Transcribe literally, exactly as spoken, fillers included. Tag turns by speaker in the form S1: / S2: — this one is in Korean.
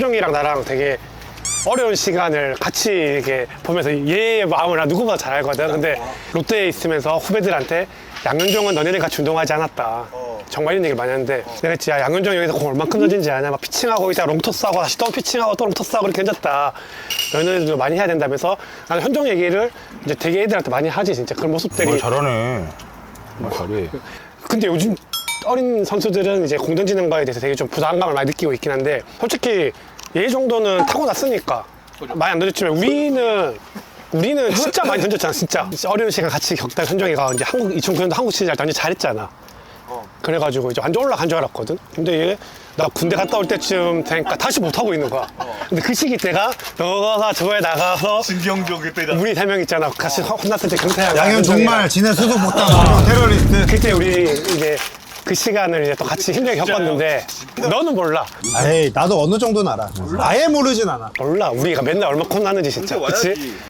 S1: 현종이랑 나랑 되게 어려운 시간을 같이 이렇게 보면서 얘의 마음을 나 누구보다 잘 알거든. 근데 롯데에 있으면서 후배들한테 양현종은 너네들 같이 운동하지 않았다. 정말 이런 얘기를 많이 하는데 내가 했지, 야, 양현종이 여기서 공 얼만큼 던진지 아냐. 막 피칭하고 있다가 롱토스하고 다시 또 피칭하고 또 롱토스하고 이렇게 던졌다. 너네들도 많이 해야 된다면서 나는 현종 얘기를 이제 되게 애들한테 많이 하지. 진짜 그런 모습들이.
S2: 어, 잘하네. 어, 잘해.
S1: 근데 요즘 어린 선수들은 이제 공 던지는 거에 대해서 되게 좀 부담감을 많이 느끼고 있긴 한데 솔직히 얘 정도는 타고났으니까 많이 안 던졌지만 우리는 우리는 진짜 많이 던졌잖아. 진짜 어려운 시간 같이 겪다 현종이가 이제 한국 이천구 년도 한국 시리즈 할 때 완전 잘했잖아. 그래가지고 이제 완전 올라간 줄 알았거든. 근데 얘 나 군대 갔다 올 때쯤 되니까 다시 못하고 있는 거야. 근데 그 시기 때가 너가 저에 나가서
S3: 신경조 그때다.
S1: 우리 세 명 있잖아. 같이 혼났을 때 경태야.
S4: 양현 정말 지네 수도 못하고 테러리스트.
S1: 그때 우리 이제 그 시간을 이제 또 같이 힘들게 겪었는데 너는 몰라.
S4: 에이 나도 어느 정도는 알아. 아예 모르진 않아.
S1: 몰라. 우리가 맨날 얼마 콘 나는지 진짜. 그치?